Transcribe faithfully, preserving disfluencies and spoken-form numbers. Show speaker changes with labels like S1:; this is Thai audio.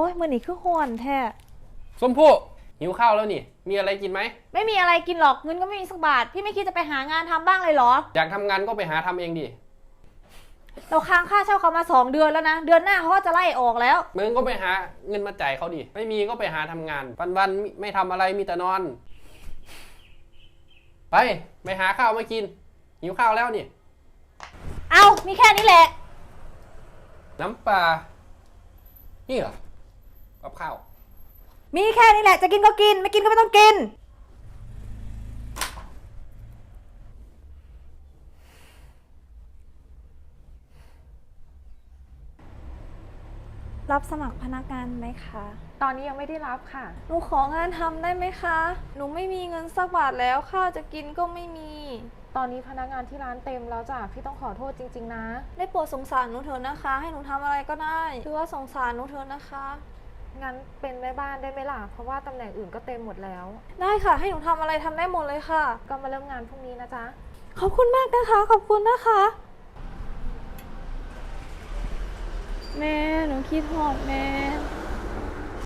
S1: อ้ยมื้อนี้คือฮ้อนแท้
S2: ส้มพู่หิวข้าวแล้วนี่มีอะไรกินไหม
S1: ไม่มีอะไรกินหรอกเงินก็ไม่มีสักบาทพี่ไม่คิดจะไปหางานทำบ้างเลยเหรอ
S2: อยากทำงานก็ไปหาทำเองดิ
S1: เราค้างค่าเช่าเขามาสองเดือนแล้วนะเดือนหน้าเขาก็จะไล่ออกแล้ว
S2: มึงก็ไปหาเงินมาจ่ายเขาดิไม่มีก็ไปหาทำงานวันๆไม่ทำอะไรมีแต่นอนไปไปหาข้าวมากินหิวข้าวแล้วนี่
S1: เอามีแค่นี้แหละ
S2: น้ำปลานี่เหรอกับข้าว
S1: มีแค่นี้แหละจะกินก็กินไม่กินก็ไม่ต้องกินรับสมัครพนักงานไหมคะ
S3: ตอนนี้ยังไม่ได้รับค่ะ
S1: หนูของานทำได้ไหมคะหนูไม่มีเงินสักบาทแล้วข้าวจะกินก็ไม่มี
S3: ตอนนี้พนักงานที่ร้านเต็มแล้วจ้ะพี่ต้องขอโทษจริงๆนะ
S1: ได้โปรดสงสารหนูเถอะนะคะให้หนูทำอะไรก็ได้คือว่าสงสารหนูเถอะนะคะ
S3: งั้นเป็นแม่บ้านได้ไหมล่ะเพราะว่าตำแหน่งอื่นก็เต็มหมดแล้ว
S1: ได้ค่ะให้หนูทำอะไรทำได้หมดเลยค่ะ
S3: ก็มาเริ่มงานพรุ่งนี้นะจ๊ะ
S1: ขอบคุณมากนะคะขอบคุณนะคะแม่หนูคิดหอดแม่